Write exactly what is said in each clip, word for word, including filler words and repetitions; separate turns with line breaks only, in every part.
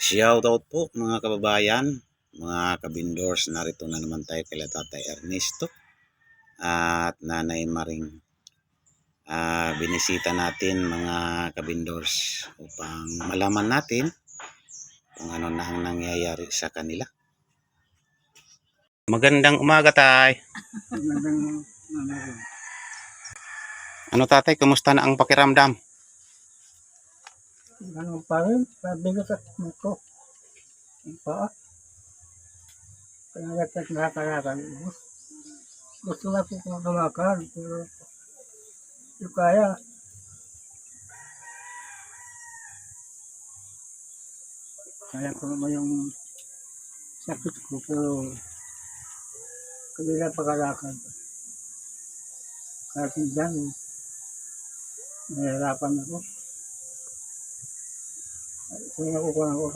Shoutout po mga kababayan, mga kabindors, narito na naman tayo kay Tatay Ernesto at Nanay Maring. Uh, binisita natin mga kabindors upang malaman natin kung ano na ang nangyayari sa kanila. Magandang umaga, Tay.
Magandang umaga.
Ano, Tatay, kumusta na ang pakiramdam?
Ano pa rin, mabigat at ko. Ang paa. Kaya nagtat nakakalakan. Gusto na po kong kamakan, pero hindi kaya. Kaya ko naman yung sakit ko, pero kanila pagkalakan. Kaya dyan, nahihirapan ako. Kaya ako ko ako.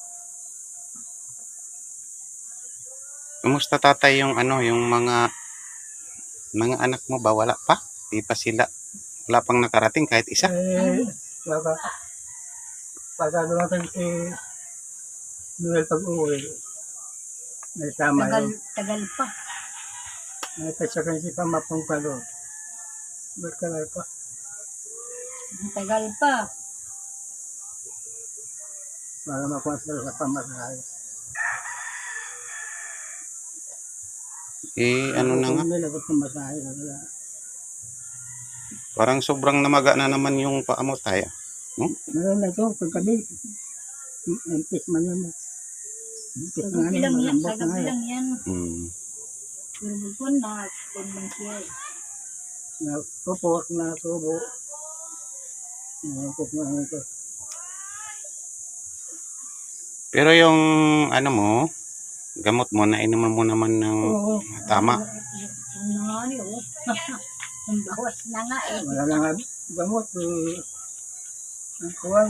Kumusta, Tatay, yung ano, yung mga mga anak mo ba? Wala pa? Di pa sila, wala pang nakarating kahit isa?
Eh, baka, pagka dumating si Noel pag-uwi, may tama
Tagal,
yun.
tagal pa.
May kasyakan si Pamapong ka doon. Ba't ka na pa?
Tagal pa.
Para makuha sila sa pamasahe.
Eh, ano na nga?
Kung nila ba't pamasahe na wala.
Parang sobrang namaga na naman yung paa mo, Tay. Hmm?
Meron na ito, pagkabi. Impis man yun. Impis na nga
Tagal
yun,
lang yan.
malambot na
Tagal
nga yun.
lang yan.
Hmm.
Pero bukon na, bukon man siya.
Napupot na tubo. Napupot na ito.
Pero yung ano mo, gamot mo, nainuman mo naman ng
Oo.
tama.
Ano nga niyo? Ang bawas na nga eh.
Wala na nga gamot. Eh, ang kuwan.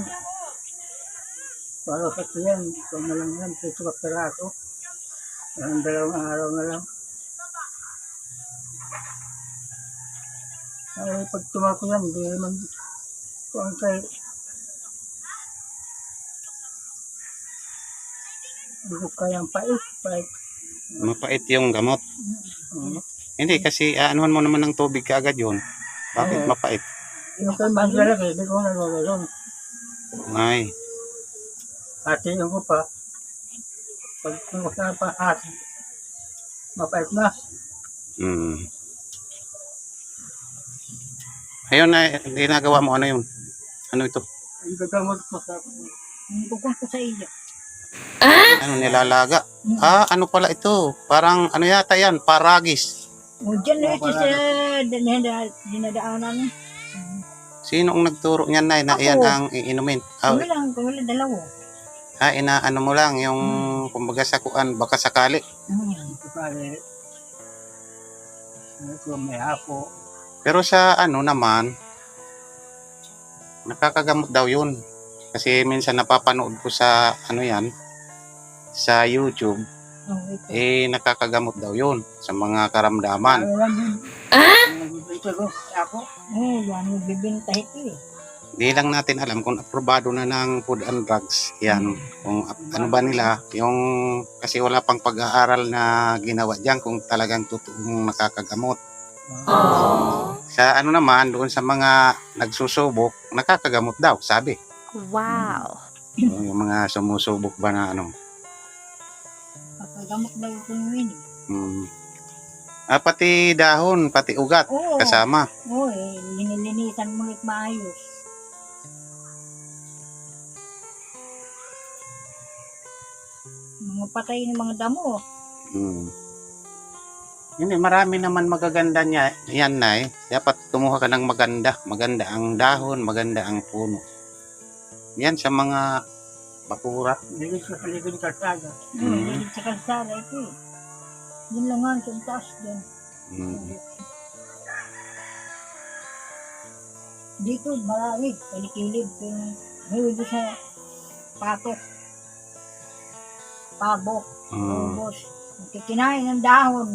Para sa tiyan, kung na lang yan, pito ka peraso. Ang dalawang araw na lang. Ay, pag tumako yan, hindi naman kuwan kay hindi ko kayang pait, pait.
Mapait yung gamot.
Oo.
Hindi, kasi aanuhan mo naman ng tubig kaagad yun. Bakit
Oo.
mapait?
Yung kay Mandela, hindi ko nagagayon.
Ay,
Hatiin ko pa. Pag kumusta pa hati, mapait na.
hmm. Ayun na, ginagawa mo, ano yun? Ano ito?
Yung gagamot ko sa
Ang bukon ko sa iyo.
Ano, nilalaga? Ah, ano pala ito? Parang, ano yata yan? Paragis.
O dyan na ito sa dinada- dinadaanan.
Sino ang nagturo niyan, Nay, na
Ako.
yan ang iinumin? Ah,
Kami lang, kami lang dalawa.
ah, inaano mo lang, yung kumbaga sa kuan, baka sakali.
Hmm.
pare. Ano ko, may hapo.
Pero sa ano naman, nakakagamot daw yun. Kasi minsan napapanood ko sa ano yan, sa YouTube,
Oh, ito.
eh nakakagamot daw yun sa mga karamdaman.
Ano lang yun? Ah? Nagbibenta ko, ako.
Oh, yan yung bibinta ito eh.
Di lang natin alam kung aprobado na ng Food and Drugs yan. Kung ap- ano ba nila, yung kasi wala pang pag-aaral na ginawa diyan kung talagang totoong nakakagamot. Sa ano naman, doon sa mga nagsusubok, nakakagamot daw, sabi.
Wow.
So, yung mga sumusubok ba na ano.
Pagkagamot daw ito yun eh.
Hmm. Ah, pati dahon, pati ugat,
Oo.
kasama.
Oo eh, linilinisan mo ulit maayos. Mga patay ng mga damo.
Hmm. Hindi, marami naman magaganda niya. Yan na eh. Dapat kumuha ka ng maganda. Maganda ang dahon, maganda ang puno. Yan sa mga bakura.
Hindi ko sa paligid ng kalsada.
Hmm.
Mm.
Hindi sa kalsada ito eh. Yun lang nga sa taas din.
Hmm.
Dito marami, palikilid. Ngayon doon sa patok. Pabok.
Hmm.
Ubos. Kikinain ng dahon.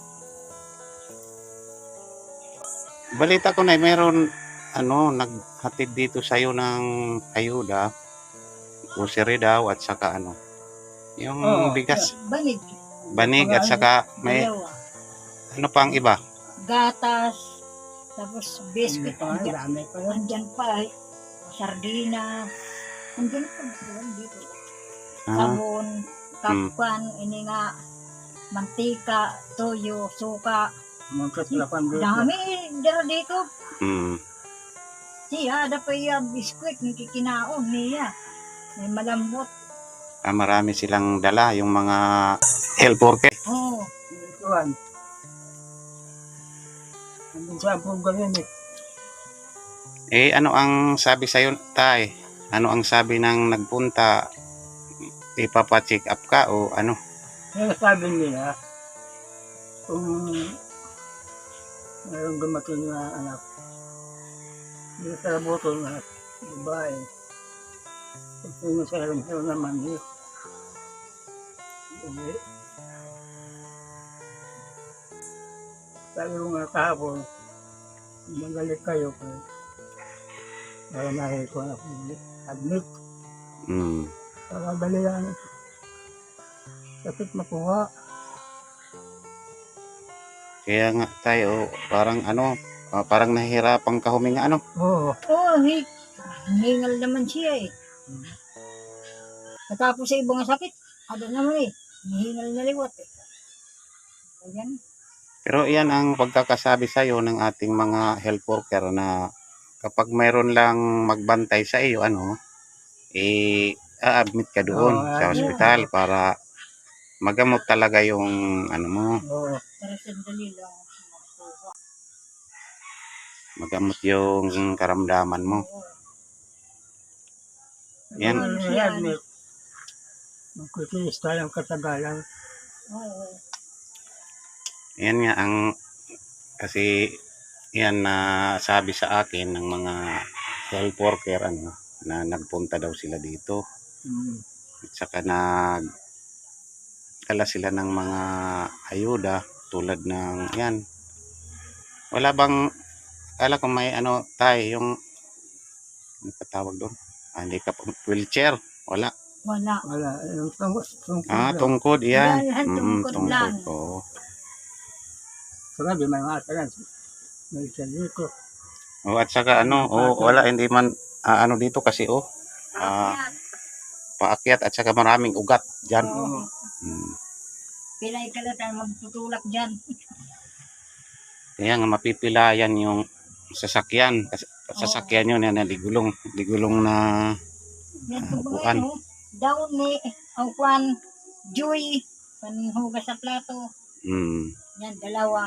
Balita ko na meron ano naghatid dito sa iyo ng ayuda grocery daw at saka ano, yung
Oo,
bigas,
Banig.
banig at saka may
Dalawa.
ano pang iba.
Gatas. Tapos
Hindi
biscuit.
pa nga,
Andyan,
dami pa yun.
andyan pa eh. Sardinas. Andyan pa. Andyan dito.
Ah,
Sabon. Kapwan. Ini nga. Mantika. Toyo. Suka.
Magkatrapan dito.
Dami. Dara dito.
mm,
Siya. Ada pa yung biskuit. Nakikinaon niya. May malambot.
ah, marami silang dala yung mga health worker.
Oo.
Ituan. Andun sa buga yun eh.
Eh ano ang sabi sa'yo, tay? Ano ang sabi ng nagpunta? Ipapa-check up ka o ano?
Kaya sabi nila, kung mayroong dumating na anak, hindi sa buto na babae, kung sino sa alam naman eh. Hindi. Sabi ko nga kahapon, magalit kayo kung para nakikita ko na admit.
Mm.
Para dali lang. Kapit makuha.
Kaya nga tayo, parang ano, ah, parang nahihirapan ka huminga ano?
Oo.
Oo. Hi. Hingal naman siya eh. Natapos sa ibang sakit. Ada naman eh. Hingal na liwat eh. Ayan.
Pero yan ang pagkakasabi sa'yo ng ating mga health worker na kapag mayroon lang magbantay sa iyo, ano, eh, a-admit ka doon
Oo,
sa
ayun.
ospital para magamot talaga yung ano mo,
Oo.
Para sandali lang. makuha.
magamot yung karamdaman mo.
Oo.
Yan.
Ano
Ano
siya,
admit? Magkutiis tayong katagalan.
Oo.
Yan nga ang kasi yan na sabi sa akin ng mga health worker ano na nagpunta daw sila dito
Mm.
at saka nag dala sila ng mga ayuda tulad ng yan. Wala bang kala ko may ano tay yung ano pa tawag doon? Ah, hindi ka pa- wheelchair. Wala.
Wala.
Wala. Yung tungkol. Tungkol
Ah,
lang.
tungkod yan.
Yan,
Mm,
tungkod lang.
Oo.
Sabi, may matalan. May isa dito.
Oh, at saka ano, oh, wala hindi man ah, ano dito kasi oh, ah,
Ayan.
paakyat at saka maraming ugat diyan.
Oo.
Mm.
Pilay ka lang magtutulak dyan.
Kaya nga mapipilayan yung sasakyan. Kasi sasakyan yun yan, digulong, digulong na
Yan
Ah,
po
upuan.
mga ano. Daon ni ang kwan. Joy. Panhugas sa plato.
mm,
Yan, dalawa.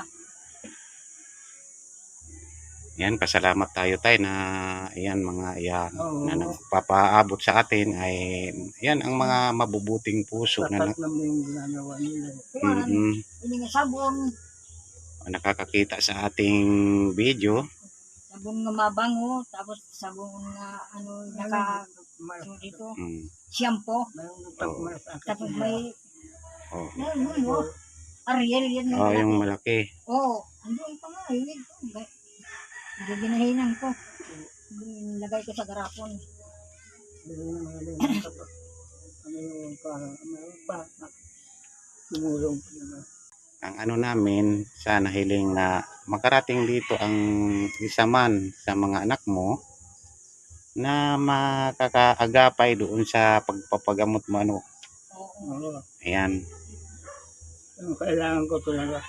yan, pasalamat tayo tayo na yan mga yan
Oo.
na nagpapaabot sa atin ay yan ang mga mabubuting puso na,
Tapat naman yung ginagawa nila.
Kuwan.
mm,
Ini nga sabon.
nakakakita sa ating video.
Sabon nga mabango. Tapos sabon nga ano naka
May,
ano dito.
Mm,
Shampoo.
may nagpapamay sa akin.
Tapos may
oh,
ano ano. Ariel yan.
oh, yung malaki.
Oo. Andun pa nga. Yun. Hindi ginahinan ko. Lagay ko sa garapon.
Hindi na magaling sa ano yung parang ano pa. Tumulong pa naman.
Ang ano namin, sana hiling na makarating dito ang isa man sa mga anak mo na makakaagapay doon sa pagpapagamot mo ano.
Oo.
Oo.
Ayan.
Yung kailangan ko talaga.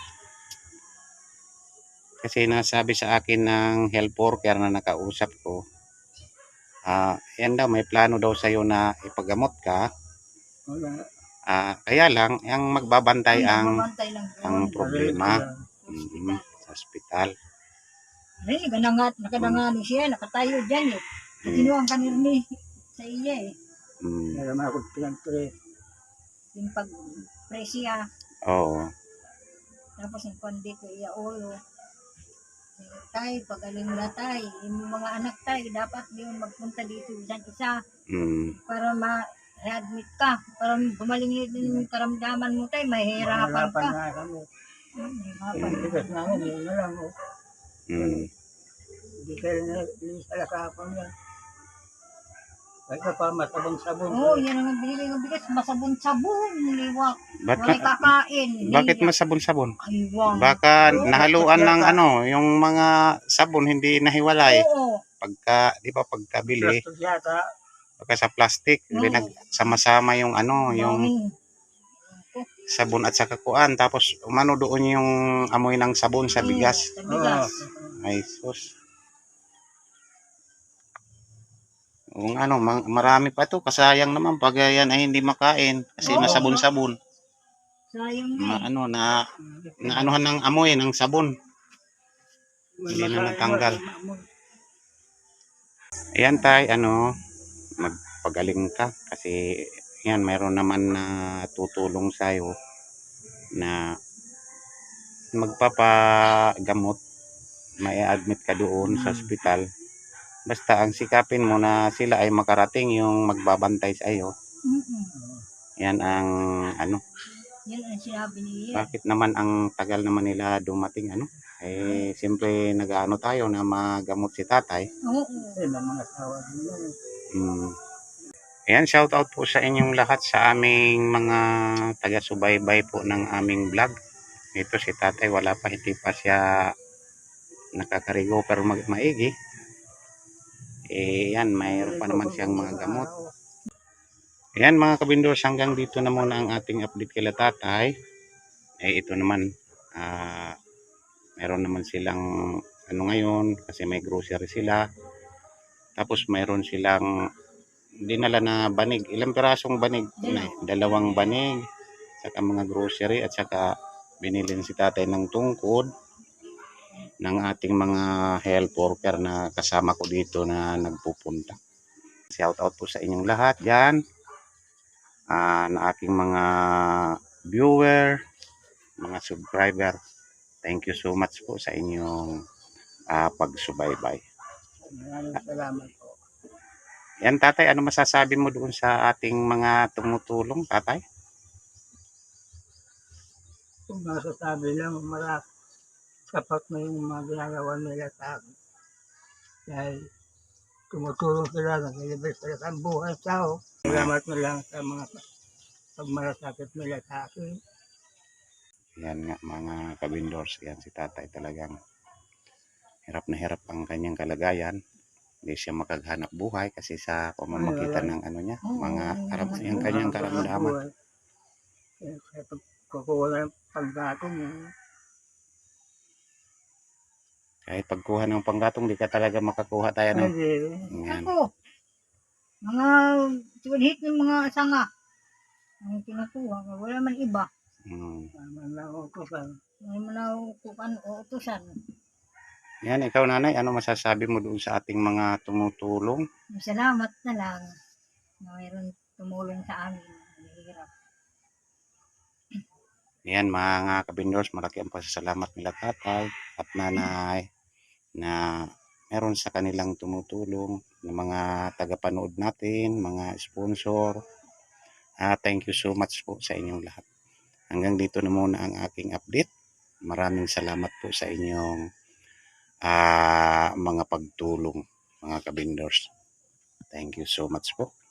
Kasi nasabi sa akin ng health worker na nakausap ko, ah, yan daw, may plano daw sa'yo na ipagamot ka.
Wala.
Ah, kaya lang, ang magbabantay ang,
Mamantay lang yun.
ang problema
Sa
mm,
ospital.
sa ospital.
Ay, ganangat, nakadangani siya, nakatayo dyan eh. Kinuha ka ni sa iya eh.
Mm,
Meron ako pinagpre.
Yung pag-presya,
oo.
tapos yung pandito iya ulo. Tay, pagaling na tay. Yung mga anak tay, dapat yun magpunta dito isang isa
Mm,
para ma-readmit ka. Para gumaling din yung karamdaman mo tay, mahihirapan
Mahirapan
ka.
na kami.
Hmm, mahirapan.
Pagbigas namin, yun na lang. Oh.
mm.
Hindi kayo na, hindi sa lakapang yan. Kahit na pa masabong-sabong.
Oo, yan ang binili ng bigas. Masabon-sabon, liwak.
Ba't
Wala
ma-
kakain.
bakit
Hiya.
masabon-sabon?
Aywang.
Baka
Oo,
nahaluan ng
yata.
ano, yung mga sabon hindi nahiwalay.
Oo.
Pagka, di ba, pagkabili,
Plastic yata.
baka sa plastic,
Oo.
pinagsama-sama yung ano, yung
Bangin.
sabon at saka kuan. Tapos, umano doon yung amoy ng sabon sa bigas.
Oo, sa bigas.
Ay, sus. Kung ano, ma- marami pa to. Kasayang naman pag yan ay hindi makain. Kasi
Oo.
masabon-sabon.
Sayang na
Ma,
eh.
ano, na, naanuhan ng amoy ng sabon. Hindi na natanggal. Ayan tay, ano, magpagaling ka. Kasi, yan, mayroon naman na tutulong sa'yo na magpapagamot. May admit ka doon sa ospital. Basta ang sikapin mo na sila ay makarating yung magbabantay sa iyo.
Mm-mm.
Yan ang ano,
Yan ang sinabi niya.
bakit naman ang tagal naman nila dumating ano? Eh siyempre nag-aano tayo na magamot si tatay.
Oo.
Eh, may mga asawa din yan.
Hmm. Ayan, shout out po sa inyong lahat sa aming mga taga-subaybay po ng aming vlog. Ito si tatay, wala pa, hindi pa siya nakakarigo pero mag maigi. Eh yan, mayroon pa naman siyang mga gamot. Ayan mga kabindors, hanggang dito na muna ang ating update kila tatay. Eh ito naman, ah, meron naman silang ano ngayon, kasi may grocery sila. Tapos mayroon silang dinala na banig. Ilang pirasong banig? Dalaw. Dalawang banig. Saka mga grocery at saka binilin si tatay ng tungkod ng ating mga health worker na kasama ko dito na nagpupunta. Shout out po sa inyong lahat dyan. Uh, na aking mga viewer, mga subscriber. Thank you so much po sa inyong uh, pagsubaybay.
Maraming salamat po.
Yan tatay, ano masasabi mo doon sa ating mga tumutulong tatay?
Kung masasabi lang, marami sapat na yung mga ginagawa nila sa akin. Dahil tumutulong sila, nag-ilibig sila sa buhay tao. Salamat na lang sa mga pagmalasakit nila sa akin.
Yan nga mga kabindors, yan si tatay talagang hirap na hirap ang kanyang kalagayan. Hindi siya makaghanap buhay kasi sa pamamagitan ng ano niya, mga harap yung kanyang karamdaman.
Kaya pagkukuha ng paggatong,
kahit pagkuha ng panggatong, di ka talaga makakuha tayo ng...
Yan.
Ako, mga tuwalhit ng mga sanga ang kinukuha. Wala man iba.
Hmm.
Wala man utusan.
Wala man utusan o utusan.
Yan, ikaw nanay, ano masasabi mo doon sa ating mga tumutulong?
Salamat na lang na mayroon tumulong sa amin. Mahirap.
Yan mga kabindors, malaki ang pasasalamat nila tatay at nanay na meron sa kanilang tumutulong ng mga tagapanood natin, mga sponsor. Uh, thank you so much po sa inyong lahat. Hanggang dito na muna ang aking update. Maraming salamat po sa inyong uh, mga pagtulong mga kabindors. Thank you so much po.